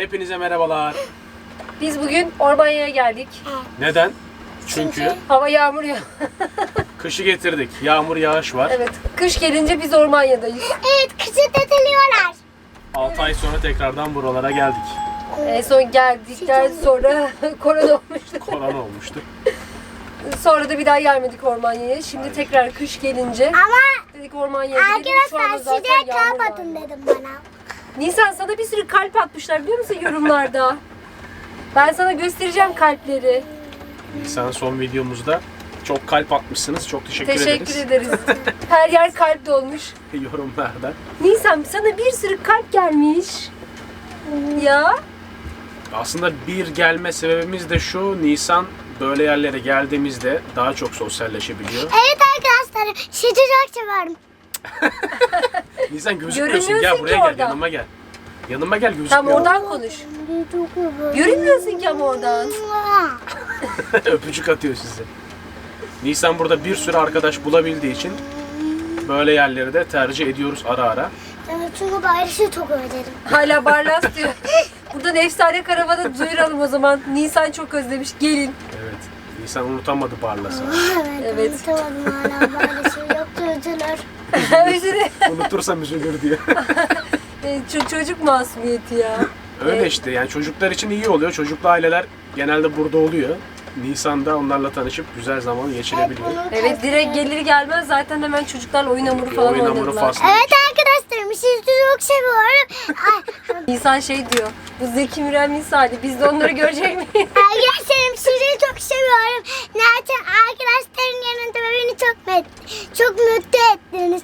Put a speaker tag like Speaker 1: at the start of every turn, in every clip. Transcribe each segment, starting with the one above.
Speaker 1: Hepinize merhabalar.
Speaker 2: Biz bugün Ormanya'ya geldik.
Speaker 1: Neden? Çünkü
Speaker 2: Hava yağmur ya.
Speaker 1: kışı getirdik. Yağmur yağış var.
Speaker 2: Evet. Kış gelince biz Ormanya'dayız.
Speaker 3: Evet, kışı teteliyorlar.
Speaker 1: 6 ay sonra tekrardan buralara geldik.
Speaker 2: En son geldikten sonra korona olmuştu.
Speaker 1: Korona olmuştu.
Speaker 2: Sonra da bir daha gelmedik Ormanya'ya. Şimdi tekrar kış gelince
Speaker 3: Ama
Speaker 2: dedik Ormanya'ya gidelim. Şu anda
Speaker 3: arkadaşlar
Speaker 2: zaten
Speaker 3: size
Speaker 2: yağmur
Speaker 3: kalp
Speaker 2: var.
Speaker 3: atın dedim bana.
Speaker 2: Nisan, sana bir sürü kalp atmışlar biliyor musun yorumlarda? Ben sana göstereceğim kalpleri.
Speaker 1: Nisan son videomuzda çok kalp atmışsınız. Çok
Speaker 2: Teşekkür ederiz. Her yer kalp dolmuş.
Speaker 1: Yorumlarda.
Speaker 2: Nisan, sana bir sürü kalp gelmiş. Ya.
Speaker 1: Aslında bir gelme sebebimiz de şu. Nisan böyle yerlere geldiğimizde daha çok sosyalleşebiliyor.
Speaker 3: Evet arkadaşlar, sizi çok seviyorum.
Speaker 1: Nisan gözükmüyorsun.
Speaker 2: Görünmüyorsun
Speaker 1: Gel
Speaker 2: ki
Speaker 1: buraya gel.
Speaker 2: oradan.
Speaker 1: Yanıma gel. Yanıma gel, gözükmüyor.
Speaker 2: Tam oradan konuş. Görünmüyorsun ki ama oradan.
Speaker 1: Öpücük atıyor size. Nisan burada bir sürü arkadaş bulabildiği için böyle yerleri de tercih ediyoruz ara ara.
Speaker 3: Evet, çünkü Barış'ı çok özledim.
Speaker 2: Hala Barlas diyor. Buradan efsane karavanı duyuralım o zaman. Nisan çok özlemiş. Gelin.
Speaker 1: Evet. Nisan unutamadı Barlas'ı.
Speaker 2: Evet.
Speaker 3: Unutamadım hala Barış'ı. Yoksa üzülür.
Speaker 2: Özür
Speaker 1: Unutursam üzülür diyor.
Speaker 2: Çocuk masumiyeti ya.
Speaker 1: Öyle işte, yani çocuklar için iyi oluyor. Çocuklu aileler genelde burada oluyor. Nisan'da onlarla tanışıp güzel zaman geçirebiliyor.
Speaker 2: Evet, direkt gelir gelmez zaten hemen çocuklarla oyun hamuru falan
Speaker 1: Oyun hamuru
Speaker 2: oynadılar.
Speaker 1: faslı.
Speaker 3: Evet arkadaşlarım, sizi çok seviyorum.
Speaker 2: Nisan şey diyor. Bu Zeki Müren misali. Biz de onları görecek miyiz?
Speaker 3: Arkadaşlarım, sizi çok seviyorum. Zaten arkadaşların yanında beni çok mutlu ettiniz.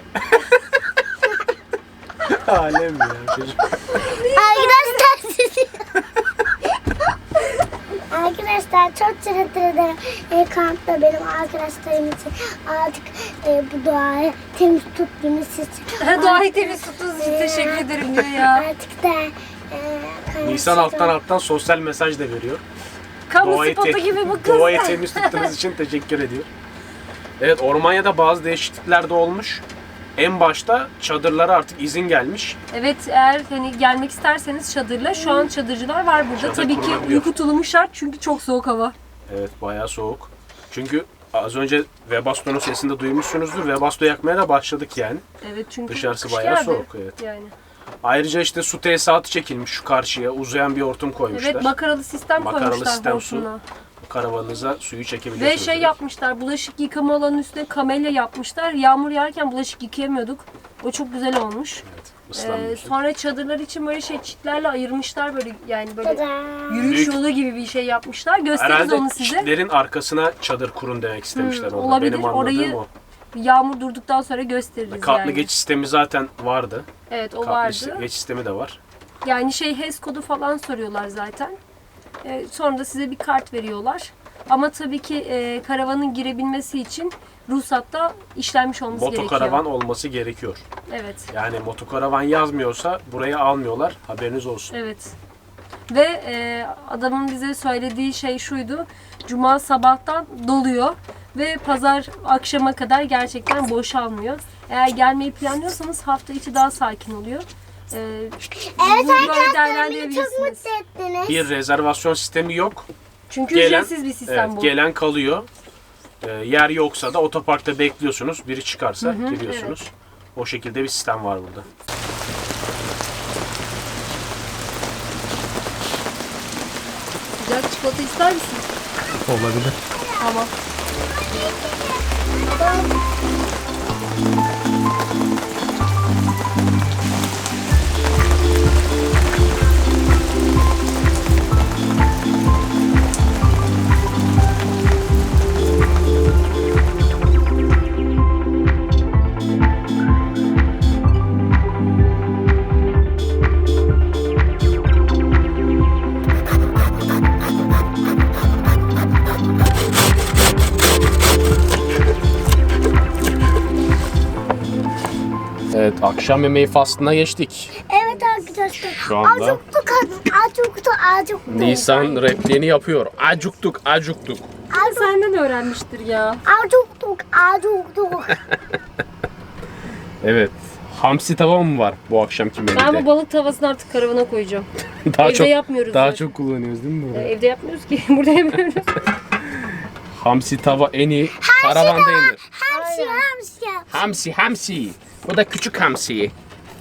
Speaker 1: Alem ya çocuk.
Speaker 3: Arkadaşlar sizi... Arkadaşlar çok teşekkür ederim. Kampta benim arkadaşlarım için artık bu doğayı temiz tuttuğunuz için.
Speaker 2: Doğayı temiz tuttuğunuz için teşekkür ederim diyor ya.
Speaker 3: Artık da
Speaker 1: Nisan alttan sosyal mesaj da veriyor.
Speaker 2: Kamu spotu gibi bu kız.
Speaker 1: Doğayı temiz tuttuğunuz için teşekkür ediyor. Evet, Ormanya'da bazı değişiklikler de olmuş. En başta çadırlara artık izin gelmiş.
Speaker 2: Evet, eğer hani gelmek isterseniz çadırla, şu an çadırcılar var burada.
Speaker 1: Çadır
Speaker 2: Tabii ki
Speaker 1: kurulabiliyor.
Speaker 2: uyku tulumu şart çünkü çok soğuk hava.
Speaker 1: Evet, bayağı soğuk. Çünkü az önce Webasto'nun sesinde duymuşsunuzdur. Webasto yakmaya da başladık yani.
Speaker 2: Evet, çünkü
Speaker 1: Dışarısı
Speaker 2: kış
Speaker 1: bayağı
Speaker 2: geldi.
Speaker 1: soğuk, evet.
Speaker 2: Yani.
Speaker 1: Ayrıca işte su tesisatı çekilmiş şu karşıya. Uzayan bir hortum koymuşlar.
Speaker 2: Evet, makaralı sistem
Speaker 1: Makaralı
Speaker 2: koymuşlar
Speaker 1: sistem su.
Speaker 2: hortumla.
Speaker 1: Karavanınıza suyu çekebiliyorsunuz.
Speaker 2: Ve şey yapmışlar, bulaşık yıkama alanının üstüne kamelya yapmışlar. Yağmur yağarken bulaşık yıkayamıyorduk. O çok güzel olmuş.
Speaker 1: Evet, ıslanmıyorsun.
Speaker 2: Sonra çadırlar için böyle çitlerle ayırmışlar, böyle yani böyle
Speaker 3: Tada.
Speaker 2: yürüyüş
Speaker 1: Büyük-
Speaker 2: yolu gibi bir şey yapmışlar. Gösteririz
Speaker 1: Herhalde
Speaker 2: onu size.
Speaker 1: çitlerin arkasına çadır kurun demek istemişler orada.
Speaker 2: olabilir.
Speaker 1: Benim anladığım
Speaker 2: Orayı
Speaker 1: o.
Speaker 2: Yağmur durduktan sonra gösteririz
Speaker 1: Katlı
Speaker 2: yani.
Speaker 1: geçiş sistemi zaten vardı.
Speaker 2: Evet, o
Speaker 1: Katlı
Speaker 2: vardı.
Speaker 1: geçiş sistemi de var.
Speaker 2: Yani HES kodu falan soruyorlar zaten. Sonra da size bir kart veriyorlar. Ama tabii ki karavanın girebilmesi için ruhsatta işlenmiş olması gerekiyor.
Speaker 1: Motokaravan olması gerekiyor.
Speaker 2: Evet.
Speaker 1: Yani motokaravan yazmıyorsa buraya almıyorlar. Haberiniz olsun.
Speaker 2: Evet. Ve adamın bize söylediği şey şuydu. Cuma sabahtan doluyor ve pazar akşama kadar gerçekten boşalmıyor. Eğer gelmeyi planlıyorsanız hafta içi daha sakin oluyor.
Speaker 3: Evet
Speaker 2: bunu böyle
Speaker 3: arkadaşlar, beni çok
Speaker 2: değerlendirebilirsiniz.
Speaker 3: mutlu ettiniz.
Speaker 1: Bir rezervasyon sistemi yok.
Speaker 2: Çünkü
Speaker 1: Gelen,
Speaker 2: ücretsiz bir sistem
Speaker 1: evet,
Speaker 2: bu.
Speaker 1: gelen kalıyor. Yer yoksa da otoparkta bekliyorsunuz. Biri çıkarsa giriyorsunuz. O şekilde bir sistem var burada.
Speaker 2: Sıcak çikolata ister misin?
Speaker 1: Olabilir.
Speaker 2: Tamam.
Speaker 1: Evet, akşam yemeği faslına geçtik.
Speaker 3: Evet arkadaşlar.
Speaker 1: Şu anda-
Speaker 3: Acıktık.
Speaker 1: Nisan repliğini yapıyor. Acuktuk, acuktuk.
Speaker 2: Senden öğrenmiştir ya.
Speaker 3: Acıktık.
Speaker 1: Evet, Hamsi tava mı var bu akşamki menüde?
Speaker 2: Ben bu balık tavasını artık karavana koyacağım.
Speaker 1: daha
Speaker 2: Evde
Speaker 1: çok,
Speaker 2: yapmıyoruz
Speaker 1: Daha
Speaker 2: zaten.
Speaker 1: çok kullanıyoruz değil mi burada?
Speaker 2: Evde yapmıyoruz ki. Burada yapıyoruz.
Speaker 1: Hamsi tava en iyi karavanda yenir.
Speaker 3: Hamsi hamsi.
Speaker 1: Hamsi. Bu da küçük hamsi.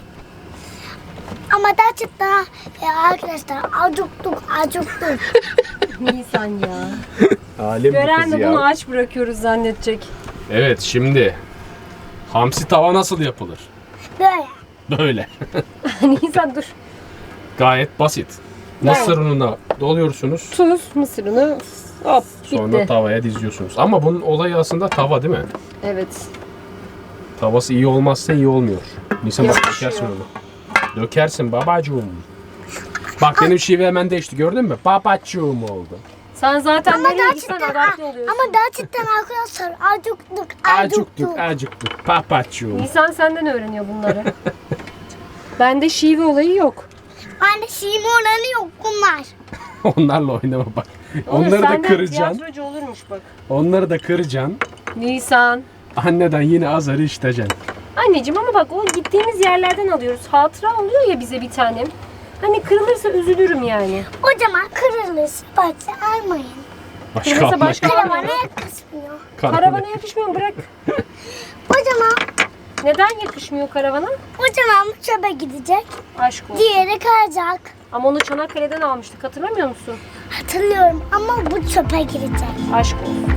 Speaker 3: Ama gerçekten arkadaşlar acıktık.
Speaker 2: Nisan ya.
Speaker 1: Alem bu
Speaker 2: Gören
Speaker 1: kız
Speaker 2: de
Speaker 1: ya.
Speaker 2: bunu aç bırakıyoruz zannedecek.
Speaker 1: Evet şimdi hamsi tava nasıl yapılır?
Speaker 3: Böyle.
Speaker 1: Böyle.
Speaker 2: Nisan dur.
Speaker 1: Gayet basit. Mısır ununa doluyorsunuz.
Speaker 2: Tuz, mısır unu. Hop
Speaker 1: Sonra
Speaker 2: bitti.
Speaker 1: tavaya diziyorsunuz. Ama bunun olayı aslında tava değil mi?
Speaker 2: Evet.
Speaker 1: Tavası iyi olmazsa iyi olmuyor. Nisan bak
Speaker 2: Yapışıyor.
Speaker 1: dökersin onu. Dökersin babacığım. Bak benim şive hemen değişti gördün mü? Babacığım oldu.
Speaker 2: Sen zaten
Speaker 3: Ama
Speaker 2: nereye gitsen
Speaker 3: gerçekten
Speaker 2: adapte oluyorsun.
Speaker 3: ama gerçekten arkadaşlar acıktık.
Speaker 1: Acıktık. Babacığım.
Speaker 2: Nisan senden öğreniyor bunları. Bende şive olayı yok.
Speaker 3: Anne şiim oranı yok bunlar.
Speaker 1: Onlarla oynama bak.
Speaker 2: Onur,
Speaker 1: Onları da
Speaker 2: senden
Speaker 1: kıracaksın.
Speaker 2: tiyatrocu olurmuş bak.
Speaker 1: Onları da kıracaksın.
Speaker 2: Nisan.
Speaker 1: Anneden yine azarı işleyeceksin.
Speaker 2: Anneciğim ama bak o gittiğimiz yerlerden alıyoruz. Hatıra oluyor ya bize bir tanem. Hani kırılırsa üzülürüm yani.
Speaker 3: O zaman kırılırsa bak almayın.
Speaker 1: Başka
Speaker 2: Kırılırsa
Speaker 1: alma.
Speaker 2: başka
Speaker 3: Karavana
Speaker 2: almayalım.
Speaker 3: yakışmıyor.
Speaker 2: Karavana yakışmıyor bırak.
Speaker 3: O zaman
Speaker 2: Neden yakışmıyor karavana?
Speaker 3: bu çöpe gidecek.
Speaker 2: Aşk olsun.
Speaker 3: Diğeri kalacak.
Speaker 2: Ama onu Çanakkale'den almıştık hatırlamıyor musun?
Speaker 3: Hatırlıyorum ama bu çöpe girecek.
Speaker 2: Aşk olsun.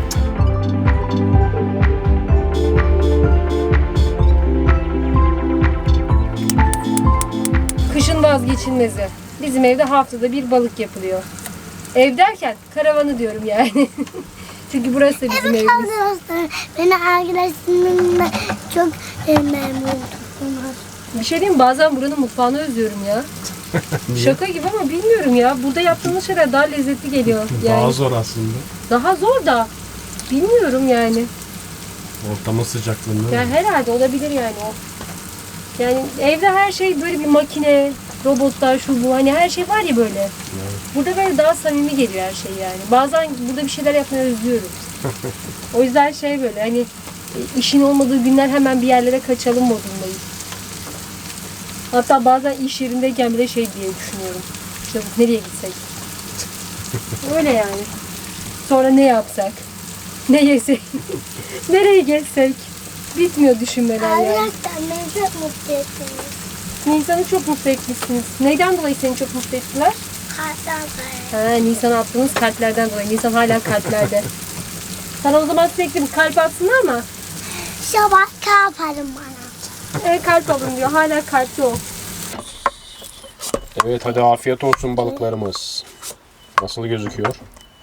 Speaker 2: Kışın vazgeçilmezi. Bizim evde haftada bir balık yapılıyor. Ev derken karavanı diyorum yani. Çünkü burası da bizim
Speaker 3: Evet
Speaker 2: evimiz.
Speaker 3: arkadaşlar. Beni arkadaşlarımla çok memnun tuttunuz.
Speaker 2: Bir şey diyeyim mi? Bazen buranın mutfağını özlüyorum ya. Şaka gibi ama bilmiyorum ya. Burada yaptığımız şeyler daha lezzetli geliyor. Yani
Speaker 1: Daha zor aslında.
Speaker 2: daha zor da bilmiyorum yani.
Speaker 1: Ortamın sıcaklığında.
Speaker 2: Ya herhalde olabilir yani o. Yani evde her şey böyle bir makine, robotlar, şu bu hani her şey var ya böyle. Burada böyle daha samimi geliyor her şey yani. Bazen burada bir şeyler yapmayı özlüyorum. O yüzden şey böyle hani işin olmadığı günler hemen bir yerlere kaçalım modundayım. Hatta bazen iş yerindeyken bile şey diye düşünüyorum. İşte nereye gitsek? Öyle yani. Sonra ne yapsak? Ne yesek? Nereye gezsek? Bitmiyor düşünmeler yani.
Speaker 3: Arkadaşlar beni çok mutlu ettiniz.
Speaker 2: Nisan'ı çok mutlu etmişsiniz. Neyden dolayı seni çok mutlu ettiler?
Speaker 3: Kalpten sonra.
Speaker 2: Nisan'a attığınız kalplerden dolayı. Nisan hala kalplerde. Sana o zaman sürekli bir kalp atsınlar mı?
Speaker 3: Şabak kalparım bana.
Speaker 2: Kalp alın diyor. Hala kalpli ol.
Speaker 1: Evet hadi afiyet olsun balıklarımız. Nasıl gözüküyor?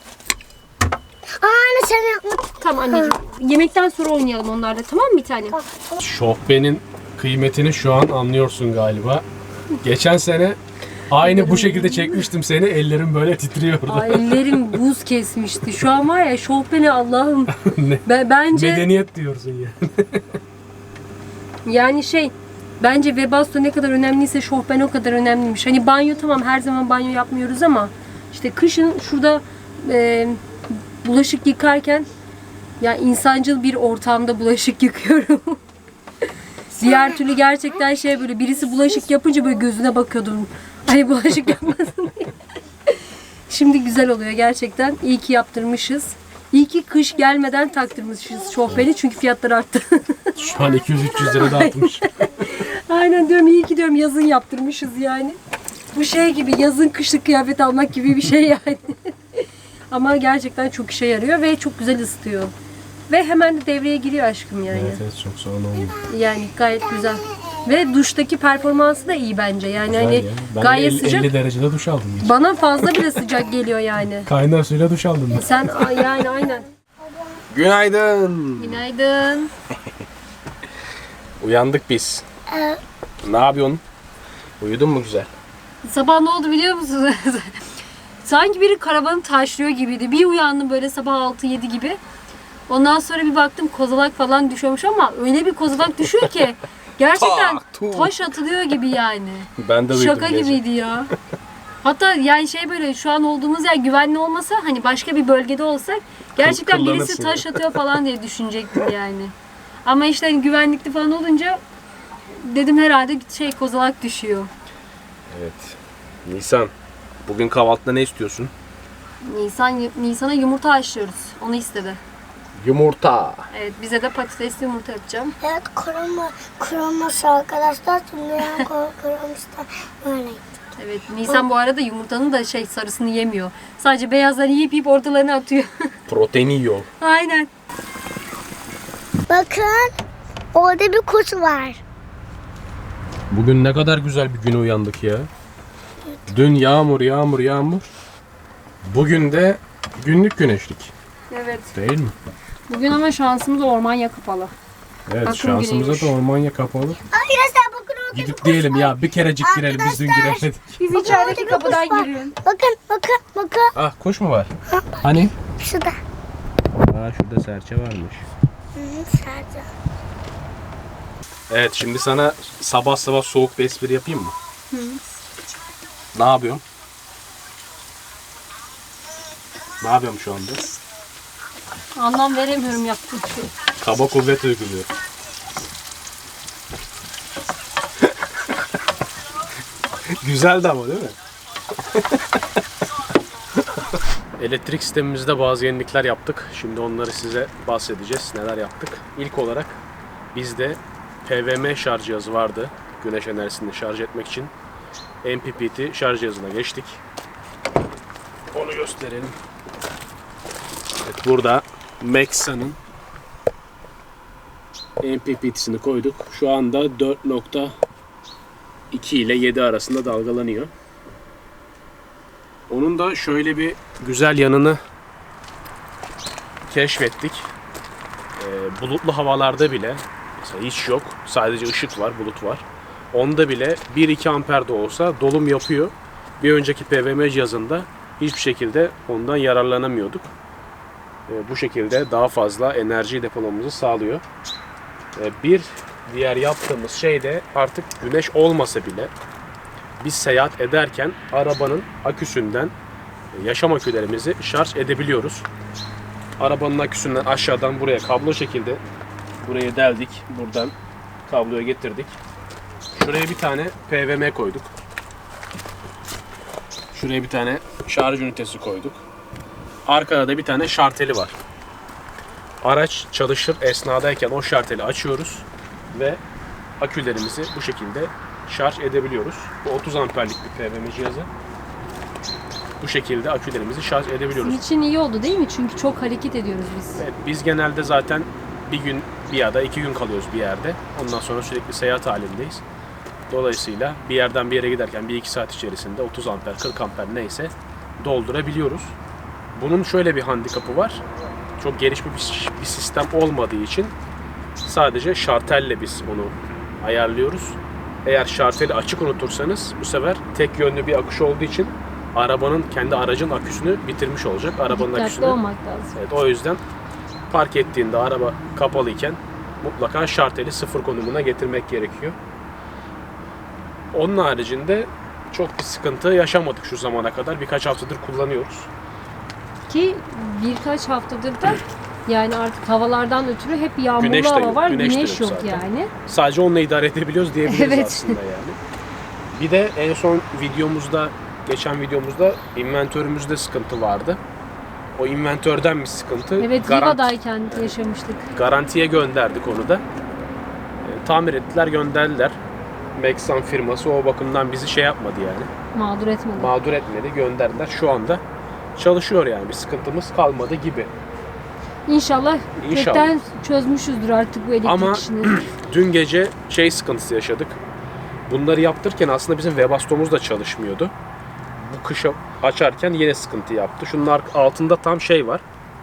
Speaker 3: Anne sen yapma.
Speaker 2: Tamam anneciğim. Yemekten sonra oynayalım onlarla. Tamam mı bir tanem?
Speaker 1: Şofbenin kıymetini şu an anlıyorsun galiba. Geçen sene aynı bu şekilde çekmiştim seni. Ellerim böyle titriyordu.
Speaker 2: Ay, ellerim buz kesmişti. Şu an var ya şofbeni Allah'ım.
Speaker 1: Ne?
Speaker 2: Bence
Speaker 1: Medeniyet diyorsun ya.
Speaker 2: yani bence Webasto ne kadar önemliyse şofben o kadar önemliymiş. Hani banyo tamam her zaman banyo yapmıyoruz ama işte kışın şurada bulaşık yıkarken ya insancıl bir ortamda bulaşık yıkıyorum. Diğer türlü gerçekten böyle birisi bulaşık yapınca böyle gözüne bakıyordum. Ay bulaşık yapmasın diye. Şimdi güzel oluyor gerçekten. İyi ki yaptırmışız. İyi ki kış gelmeden taktırmışız şofbeni çünkü fiyatlar arttı.
Speaker 1: Şu an 200-300 lira dağıtmış.
Speaker 2: Aynen diyorum iyi ki diyorum yazın yaptırmışız yani. Bu gibi yazın kışlık kıyafet almak gibi bir şey yani. Ama gerçekten çok işe yarıyor ve çok güzel ısıtıyor. Ve hemen de devreye giriyor aşkım yani.
Speaker 1: Evet çok sağ olun.
Speaker 2: Yani gayet güzel. Ve duştaki performansı da iyi bence. Yani hani
Speaker 1: Ben
Speaker 2: gayet
Speaker 1: 50
Speaker 2: sıcak.
Speaker 1: derecede duş aldım. Hiç.
Speaker 2: Bana fazla bile sıcak geliyor yani.
Speaker 1: Kaynar suyla duş aldım ben.
Speaker 2: Sen yani aynen.
Speaker 1: Günaydın.
Speaker 2: Günaydın.
Speaker 1: Uyandık biz.
Speaker 3: Evet.
Speaker 1: Ne yapıyorsun? Uyudun mu güzel?
Speaker 2: Sabah ne oldu biliyor musunuz? Sanki biri karavanı taşlıyor gibiydi. Bir uyandım böyle sabah 6-7 gibi. Ondan sonra bir baktım kozalak falan düşüyormuş ama öyle bir kozalak düşüyor ki gerçekten taş atılıyor gibi yani.
Speaker 1: Ben de uyudum
Speaker 2: Şaka
Speaker 1: gece.
Speaker 2: gibiydi ya. Hatta yani böyle şu an olduğumuz yer güvenli olmasa hani başka bir bölgede olsak gerçekten birisi
Speaker 1: Kullanırsın
Speaker 2: taş atıyor falan diye düşünecektim yani. Ama işte hani güvenlikli falan olunca dedim herhalde bir şey kozalak düşüyor.
Speaker 1: Evet. Nisan, bugün kahvaltıda ne istiyorsun?
Speaker 2: Nisan'a yumurta haşlıyoruz. Onu istedi.
Speaker 1: Yumurta.
Speaker 2: Evet, bize de patatesli yumurta yapacağım.
Speaker 3: Evet, kırılması arkadaşlar. Şimdi yani kırılmışlar. Böyle.
Speaker 2: Evet, Nisan bu arada yumurtanın da sarısını yemiyor. Sadece beyazlarını yiyip ortalarına atıyor.
Speaker 1: Protein yiyor.
Speaker 2: Aynen.
Speaker 3: Bakın, orada bir kuş var.
Speaker 1: Bugün ne kadar güzel bir güne uyandık ya. Dün yağmur. Bugün de günlük güneşlik.
Speaker 2: Evet.
Speaker 1: Değil mi?
Speaker 2: Bugün ama şansımız Ormanya kapalı.
Speaker 1: Evet,
Speaker 2: Bakın
Speaker 1: şansımıza
Speaker 2: güneymiş.
Speaker 1: da Ormanya kapalı.
Speaker 3: Arkadaşlar bakın orada bir
Speaker 1: Gidip
Speaker 3: kuş
Speaker 1: diyelim
Speaker 3: var.
Speaker 1: ya bir kerecik girelim, biz dün
Speaker 3: Arkadaşlar.
Speaker 1: giremedik.
Speaker 2: Biz
Speaker 3: Bakın
Speaker 2: içerideki
Speaker 3: orada bir
Speaker 2: kapıdan
Speaker 3: kuş var.
Speaker 2: giriyoruz.
Speaker 3: Bakın.
Speaker 1: Ah, kuş mu var? Hani?
Speaker 3: Şurada.
Speaker 1: Aa, şurada serçe varmış.
Speaker 3: Sadece.
Speaker 1: Evet, şimdi sana sabah sabah soğuk bir espri yapayım mı? Ne yapıyorum? Ne yapıyorum şu anda?
Speaker 2: Anlam veremiyorum yaptığım şey.
Speaker 1: Kaba kuvvet uyguluyor. Güzeldi ama değil mi? Elektrik sistemimizde bazı yenilikler yaptık. Şimdi onları size bahsedeceğiz. Neler yaptık? İlk olarak bizde PWM şarj cihazı vardı. Güneş enerjisini şarj etmek için. MPPT şarj cihazına geçtik. Onu gösterelim. Evet, burada Maxa'nın MPPT'sini koyduk. Şu anda 4.2 ile 7 arasında dalgalanıyor. Onun da şöyle bir güzel yanını keşfettik. Bulutlu havalarda bile mesela hiç yok. Sadece ışık var, bulut var. Onda bile 1-2 amper de olsa dolum yapıyor. Bir önceki PWM cihazında hiçbir şekilde ondan yararlanamıyorduk. Bu şekilde daha fazla enerji depolamamızı sağlıyor. Bir diğer yaptığımız şey de artık güneş olmasa bile biz seyahat ederken arabanın aküsünden yaşam akülerimizi şarj edebiliyoruz. Arabanın aküsünden aşağıdan buraya kablo şekilde buraya deldik. Buradan kabloya getirdik. Şuraya bir tane PWM koyduk. Şuraya bir tane şarj ünitesi koyduk. Arkada da bir tane şarteli var. Araç çalışır esnadayken o şarteli açıyoruz ve akülerimizi bu şekilde şarj edebiliyoruz. Bu 30 amperlik bir PWM cihazı. Bu şekilde akülerimizi şarj edebiliyoruz.
Speaker 2: Sizin için iyi oldu değil mi? Çünkü çok hareket ediyoruz biz.
Speaker 1: Evet, biz genelde zaten bir gün bir ya da 2 gün kalıyoruz bir yerde. Ondan sonra sürekli seyahat halindeyiz. Dolayısıyla bir yerden bir yere giderken 1-2 saat içerisinde 30 amper, 40 amper neyse doldurabiliyoruz. Bunun şöyle bir handikapı var. Çok gelişmiş bir sistem olmadığı için sadece şartelle biz onu ayarlıyoruz. Eğer şarteli açık unutursanız bu sefer tek yönlü bir akış olduğu için kendi aracın aküsünü bitirmiş olacak. Arabanın
Speaker 2: Dikkatli
Speaker 1: aküsünü.
Speaker 2: olmak lazım.
Speaker 1: Evet, o yüzden park ettiğinde araba kapalıyken mutlaka şarteli sıfır konumuna getirmek gerekiyor. Onun haricinde çok bir sıkıntı yaşamadık şu zamana kadar. Birkaç haftadır kullanıyoruz.
Speaker 2: Ki birkaç haftadır da yani artık havalardan ötürü hep yağmurlu
Speaker 1: Güneş de
Speaker 2: hava
Speaker 1: yok,
Speaker 2: var.
Speaker 1: güneş de
Speaker 2: Güneş
Speaker 1: yok
Speaker 2: yok
Speaker 1: zaten.
Speaker 2: yani.
Speaker 1: Sadece onunla idare edebiliyoruz diyebiliriz
Speaker 2: Evet.
Speaker 1: aslında yani. Bir de en son geçen videomuzda inventörümüzde sıkıntı vardı. O inventörden bir sıkıntı.
Speaker 2: Evet, Riva'dayken yaşamıştık.
Speaker 1: Garantiye gönderdik onu da. Tamir ettiler, gönderdiler. Maxan firması o bakımdan bizi şey yapmadı yani.
Speaker 2: Mağdur etmedi.
Speaker 1: Mağdur etmedi, gönderdiler. Şu anda çalışıyor yani. Bir sıkıntımız kalmadı gibi.
Speaker 2: İnşallah
Speaker 1: İnşallah.
Speaker 2: kökten çözmüşüzdür artık bu elektrik
Speaker 1: Ama
Speaker 2: işini.
Speaker 1: dün gece sıkıntısı yaşadık. Bunları yaptırırken aslında bizim Webasto'muz da çalışmıyordu. Bu kışa açarken yine sıkıntı yaptı. Şunun altında tam var.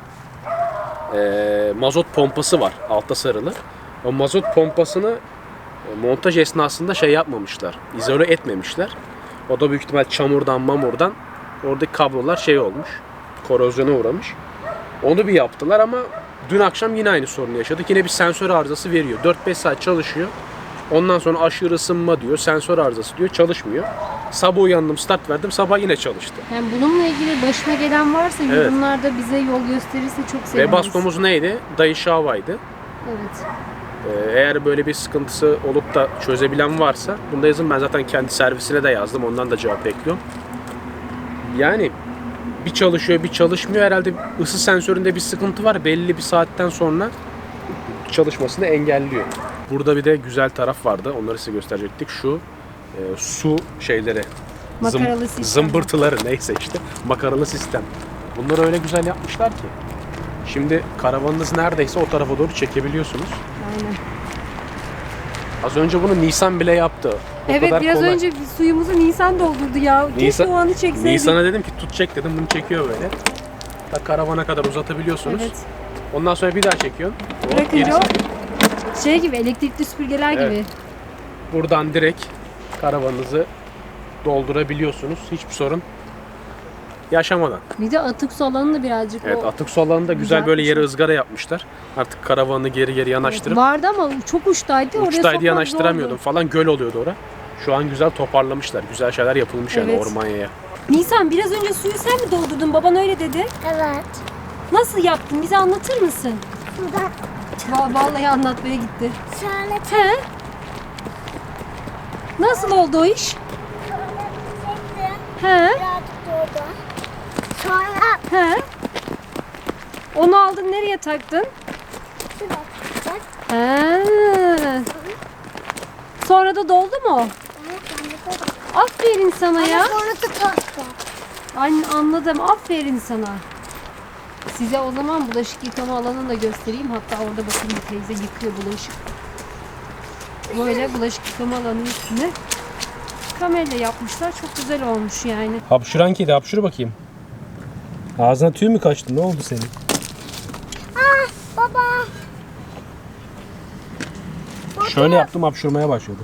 Speaker 1: Mazot pompası var altta sarılı. O mazot pompasını montaj esnasında yapmamışlar. İzole etmemişler. O da büyük ihtimal çamurdan oradaki kablolar olmuş. Korozyona uğramış. Onu bir yaptılar ama dün akşam yine aynı sorunu yaşadık. Yine bir sensör arızası veriyor. 4-5 saat çalışıyor. Ondan sonra aşırı ısınma diyor, sensör arızası diyor, çalışmıyor. Sabah uyandım, start verdim, sabah yine çalıştı.
Speaker 2: Yani bununla ilgili başına gelen varsa
Speaker 1: Evet.
Speaker 2: yorumlarda bize yol gösterirse çok seviniriz.
Speaker 1: Webasto'muz neydi? Daishi Hawa'ydı.
Speaker 2: Evet.
Speaker 1: Eğer böyle bir sıkıntısı olup da çözebilen varsa bunu da yazın. Ben zaten kendi servisine de yazdım. Ondan da cevap bekliyorum. Yani bir çalışıyor bir çalışmıyor. Herhalde ısı sensöründe bir sıkıntı var. Belli bir saatten sonra çalışmasını engelliyor. Burada bir de güzel taraf vardı. Onları size gösterecektik. Şu su şeyleri.
Speaker 2: Makaralı sistem.
Speaker 1: Zımbırtıları neyse işte. Makaralı sistem. Bunları öyle güzel yapmışlar ki. Şimdi karavanınız neredeyse o tarafa doğru çekebiliyorsunuz.
Speaker 2: Aynen.
Speaker 1: Az önce bunu Nisan bile yaptı. O
Speaker 2: Evet
Speaker 1: kadar
Speaker 2: biraz
Speaker 1: kolay.
Speaker 2: önce suyumuzu Nisan doldurdu ya. Keşke o anı çekseydik.
Speaker 1: Nisan'a dedim ki tut çek dedim, bunu çekiyor böyle. Ta karavana kadar uzatabiliyorsunuz.
Speaker 2: Evet.
Speaker 1: Ondan sonra bir daha çekiyorsun. Hop,
Speaker 2: Bırakınca
Speaker 1: gerisi.
Speaker 2: o şey gibi, elektrikli süpürgeler
Speaker 1: Evet.
Speaker 2: gibi.
Speaker 1: Buradan direkt karavanınızı doldurabiliyorsunuz. Hiçbir sorun yaşamadan.
Speaker 2: Bir de atık su alanı da birazcık
Speaker 1: Evet,
Speaker 2: o
Speaker 1: atık su alanında güzel böyle yere
Speaker 2: Düzeltmişler.
Speaker 1: ızgara yapmışlar. Artık karavanı geri yanaştırıp
Speaker 2: vardı ama çok uçtaydı. Oraya
Speaker 1: uçtaydı
Speaker 2: sokmak
Speaker 1: yanaştıramıyordum
Speaker 2: zordu.
Speaker 1: falan, göl oluyordu orada. Şu an güzel toparlamışlar. Güzel şeyler yapılmış yani
Speaker 2: Evet.
Speaker 1: Ormanya'ya.
Speaker 2: Nisan biraz önce suyu sen mi doldurdun? Baban öyle dedi.
Speaker 3: Evet.
Speaker 2: Nasıl yaptın? Bize anlatır mısın?
Speaker 3: Burada
Speaker 2: Vallahi anlatmaya gitti.
Speaker 3: şöyle
Speaker 2: He? Nasıl oldu o iş?
Speaker 3: çektim.
Speaker 2: He?
Speaker 3: Birazcık durdu. Sonra
Speaker 2: He? Onu aldın nereye taktın?
Speaker 3: şurada tutacak.
Speaker 2: He. Sonra da doldu mu? Aferin sana ya.
Speaker 3: Sonra tutacak.
Speaker 2: Anladım. Aferin sana. Size o zaman bulaşık yıkama alanını da göstereyim. Hatta orada bakın bir teyze yıkıyor bulaşık. Böyle bulaşık yıkama alanının üstüne kamerayla yapmışlar. Çok güzel olmuş yani.
Speaker 1: Hapşuran kedi, hapşur bakayım. Ağzına tüy mü kaçtı? Ne oldu senin?
Speaker 3: Ah baba.
Speaker 1: Şöyle yaptım, hapşurmaya başladı.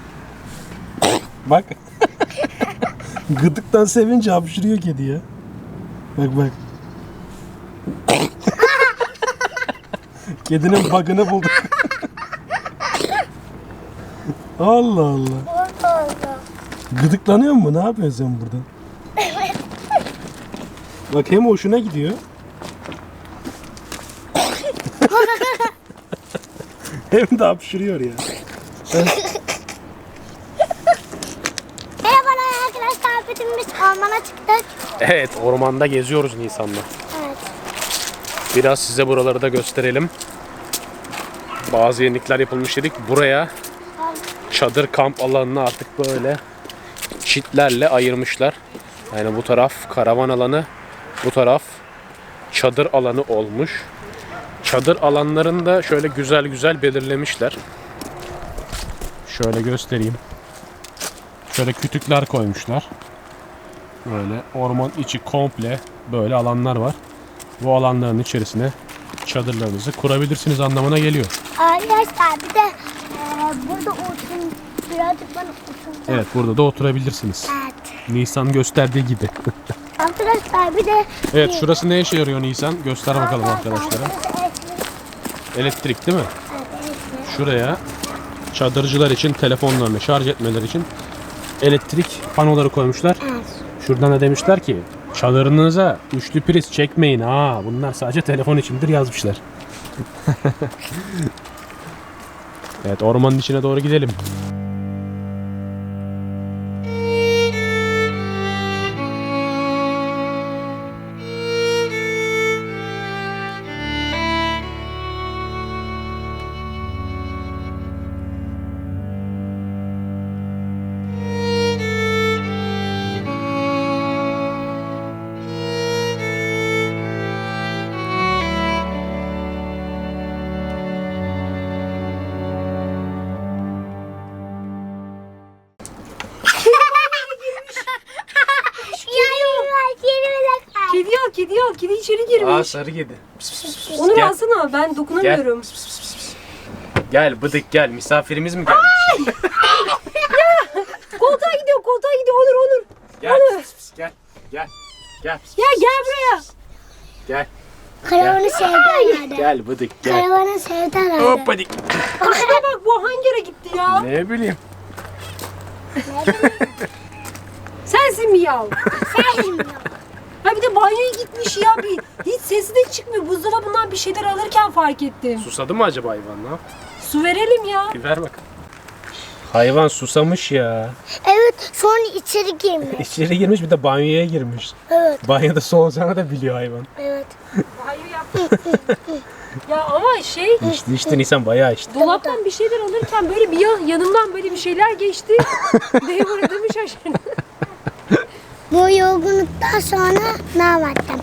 Speaker 1: Bak. Gıdıktan sevince hapşırıyor kedi ya. Bak bak. Kedinin bug'ını bulduk. Allah Allah.
Speaker 3: Orada oldu.
Speaker 1: Gıdıklanıyor mu? Ne yapıyorsun sen burada? Bak hem hoşuna gidiyor. Hem de hapşırıyor ya.
Speaker 3: Merhabalar arkadaşlar. Biz ormana çıktık.
Speaker 1: Evet, ormanda geziyoruz Nisan'la.
Speaker 3: Evet.
Speaker 1: Biraz size buraları da gösterelim. Bazı yenilikler yapılmış dedik. Buraya çadır kamp alanını artık böyle çitlerle ayırmışlar. Yani bu taraf karavan alanı, bu taraf çadır alanı olmuş. Çadır alanlarını da şöyle güzel güzel belirlemişler. Şöyle göstereyim. Şöyle kütükler koymuşlar. Böyle orman içi komple böyle alanlar var. Bu alanların içerisine çadırlarınızı kurabilirsiniz anlamına geliyor.
Speaker 3: Arkadaşlar bir de burada oturun. Birazcık bana oturun.
Speaker 1: Evet, burada da oturabilirsiniz.
Speaker 3: Evet.
Speaker 1: Nisan gösterdiği gibi.
Speaker 3: Arkadaşlar bir de
Speaker 1: Evet, şurası ne işe yarıyor Nisan? Göster bakalım arkadaşlara.
Speaker 3: Arkadaşlar,
Speaker 1: Elektrik değil mi?
Speaker 3: evet.
Speaker 1: Şuraya çadırcılar için telefonlarını şarj etmeleri için elektrik panoları koymuşlar.
Speaker 3: Evet.
Speaker 1: Şuradan da demişler ki çadırınıza üçlü priz çekmeyin ha. Bunlar sadece telefon içindir yazmışlar. Evet, ormanın içine doğru gidelim.
Speaker 2: Kedi al. Kedi içeri girmiş.
Speaker 1: Sarı kedi.
Speaker 2: Onu
Speaker 1: Gel.
Speaker 2: alsana. Ben dokunamıyorum.
Speaker 1: Gel bıdık gel. Misafirimiz mi gelmiş?
Speaker 2: Koltuğa gidiyor. Onur.
Speaker 1: Gel. Gel. Gel. Gel.
Speaker 2: Ya gel buraya.
Speaker 1: Gel.
Speaker 3: Karavanı sevdi herhalde.
Speaker 1: Gel bıdık gel.
Speaker 3: Karavanı sevdi herhalde.
Speaker 1: Hop hadi.
Speaker 2: Şuna bak bu hangi yere gitti ya?
Speaker 1: Ne bileyim.
Speaker 2: Sensin mi ya?
Speaker 3: Sevdim.
Speaker 2: Ha bir de banyoya gitmiş ya. Hiç sesi de çıkmıyor. Buzdolabından bir şeyler alırken fark ettim.
Speaker 1: Susadı mı acaba hayvan? Ne yaptı?
Speaker 2: su verelim ya.
Speaker 1: Bir ver bakalım. Hayvan susamış ya.
Speaker 3: Evet, sonra içeri girmiş.
Speaker 1: İçeri girmiş, bir de banyoya girmiş.
Speaker 3: Evet,
Speaker 1: Banyoda su olacağını da biliyor hayvan.
Speaker 3: evet.
Speaker 2: Banyo yaptı. Ya ama şey,
Speaker 1: İçti Nisan, bayağı içti.
Speaker 2: dolaptan bir şeyler alırken böyle bir yanımdan böyle bir şeyler geçti. Neye uğradığımı şaşırdım.
Speaker 3: Bu yorgunluktan sonra ne yaptım?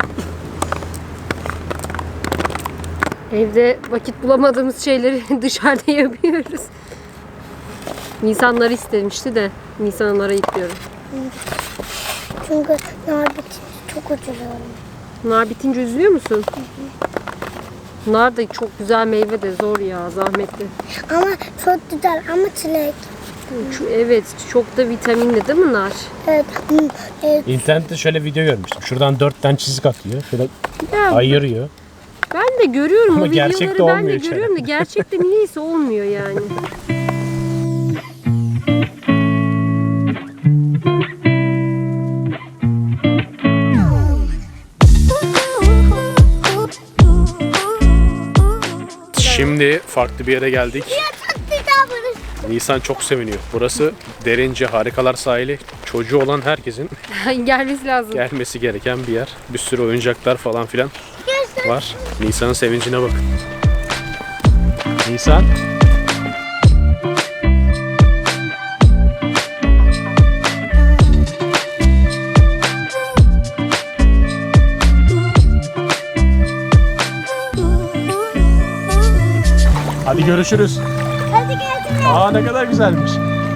Speaker 2: Evde vakit bulamadığımız şeyleri dışarıda yapıyoruz. Nisanları istemişti de Nisanları yıkıyorum.
Speaker 3: Çünkü nar bitince çok üzülüyorum.
Speaker 2: Nar bitince üzülüyor musun? Nar da çok güzel meyve de zor ya, zahmetli.
Speaker 3: Ama çok güzel ama çilek.
Speaker 2: Evet, çok da vitaminli değil mi nar?
Speaker 3: Evet, evet.
Speaker 1: İnternette şöyle video görmüştüm. Şuradan 4 tane çizik atıyor. Şöyle
Speaker 2: Ya,
Speaker 1: ayırıyor.
Speaker 2: ben de görüyorum
Speaker 1: Ama
Speaker 2: o
Speaker 1: gerçekte
Speaker 2: videoları, ben de
Speaker 1: olmuyor hiç
Speaker 2: görüyorum da gerçekte niyeyse olmuyor yani.
Speaker 1: Şimdi farklı bir yere geldik.
Speaker 3: Çok güzel burası.
Speaker 1: Nisan çok seviniyor. Burası Derince Harikalar Sahili. Çocuğu olan herkesin
Speaker 2: Gelmesi lazım.
Speaker 1: gelmesi gereken bir yer. Bir sürü oyuncaklar falan filan var. Nisan'ın sevincine bakın. Nisan. Hadi görüşürüz.
Speaker 3: Hadi gelsin.
Speaker 1: Aa, ne kadar güzelmiş.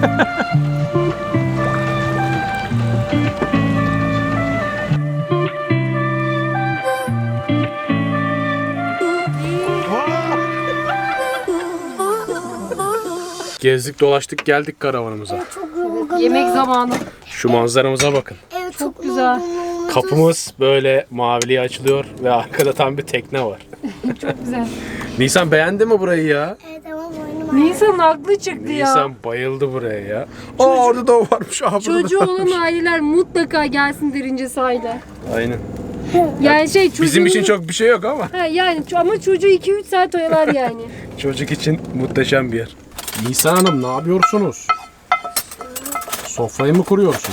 Speaker 1: Gezdik dolaştık geldik karavanımıza.
Speaker 3: Çok yorgunum.
Speaker 2: Yemek zamanı.
Speaker 1: Şu manzaramıza bakın.
Speaker 3: Evet,
Speaker 2: Çok güzel.
Speaker 1: Kapımız böyle maviliğe açılıyor ve arkada tam bir tekne var.
Speaker 2: Çok güzel.
Speaker 1: Nisan beğendi mi burayı ya?
Speaker 3: Evet, ama boynum
Speaker 2: Nisan'ın aklı çıktı ya.
Speaker 1: Nisan bayıldı buraya ya. Aa, orada da o varmış. Aa, burada
Speaker 2: Çocuğu
Speaker 1: da
Speaker 2: olan
Speaker 1: varmış.
Speaker 2: aileler mutlaka gelsin Derince sahile.
Speaker 1: Aynen.
Speaker 2: Yani şey
Speaker 1: Bizim için
Speaker 2: çocuğunu-
Speaker 1: çok bir şey yok ama.
Speaker 2: Ha, yani ama çocuğu 2-3 saat oyalar yani.
Speaker 1: Çocuk için muhteşem bir yer. Nisan Hanım ne yapıyorsunuz? Sofrayı mı kuruyorsun?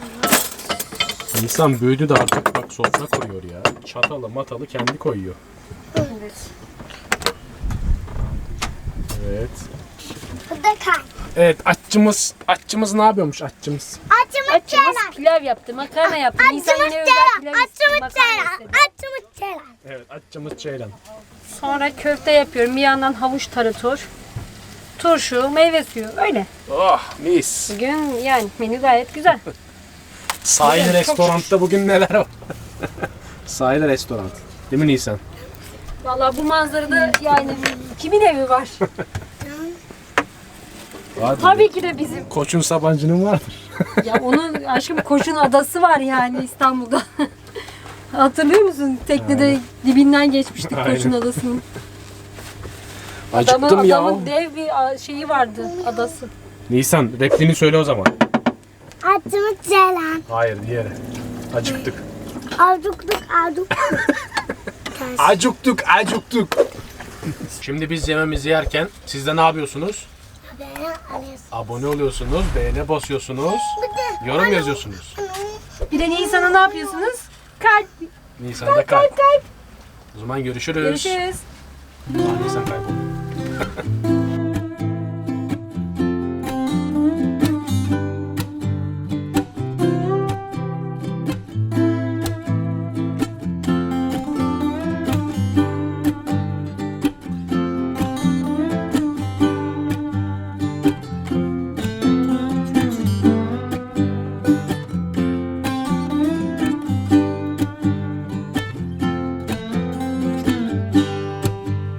Speaker 1: Nisan büyüdü de artık bak sofra kuruyor ya. Çatalı matalı kendi koyuyor.
Speaker 2: Evet.
Speaker 1: Evet.
Speaker 3: Bu da kay.
Speaker 1: Evet, aççımız ne yapıyormuş aççımız?
Speaker 3: Açımız
Speaker 2: Açımız
Speaker 3: çelen.
Speaker 2: pilav yaptı, makarna yaptı. Nisan
Speaker 3: Açımız
Speaker 2: yine özel
Speaker 3: çelen.
Speaker 2: pilav istedi,
Speaker 3: Açımız
Speaker 2: makarna
Speaker 3: çelen.
Speaker 2: istedi.
Speaker 3: Açımız çelen.
Speaker 1: Evet, aççımız Ceylan.
Speaker 2: Sonra köfte yapıyorum. Bir yandan havuç tarator, turşu, meyve suyu. Öyle.
Speaker 1: Oh, mis.
Speaker 2: Bugün yani menü gayet güzel.
Speaker 1: Sahil
Speaker 2: Çok
Speaker 1: restoranda bugün neler var? Sahil restoran. Değil mi Nisan?
Speaker 2: Vallahi bu manzarada yani kimin evi var?
Speaker 1: Vardır.
Speaker 2: Tabii ki de bizim.
Speaker 1: Koç'un Sabancı'nın vardır.
Speaker 2: Ya onun aşkım Koç'un adası var yani İstanbul'da. Hatırlıyor musun? Teknede dibinden geçmiştik
Speaker 1: Aynen.
Speaker 2: Koç'un adasının.
Speaker 1: Acıktım ya.
Speaker 2: Adamın dev bir şeyi vardı, adası.
Speaker 1: Nisan, repliğini söyle o zaman.
Speaker 3: Açımız çelen.
Speaker 1: Hayır, diğeri. Acıktık.
Speaker 3: Avcuktuk, avcuktuk.
Speaker 1: Acıktık. Şimdi biz yemeğimizi yerken siz de ne yapıyorsunuz?
Speaker 3: Haberi alıyorsun.
Speaker 1: Abone oluyorsunuz, beğene basıyorsunuz, yorum yazıyorsunuz.
Speaker 2: Bir de Nisan'a ne yapıyorsunuz? Kalp.
Speaker 1: Nisan'da kalp. O zaman görüşürüz.
Speaker 2: Görüşürüz.
Speaker 1: Aa, Nisan kayboldu.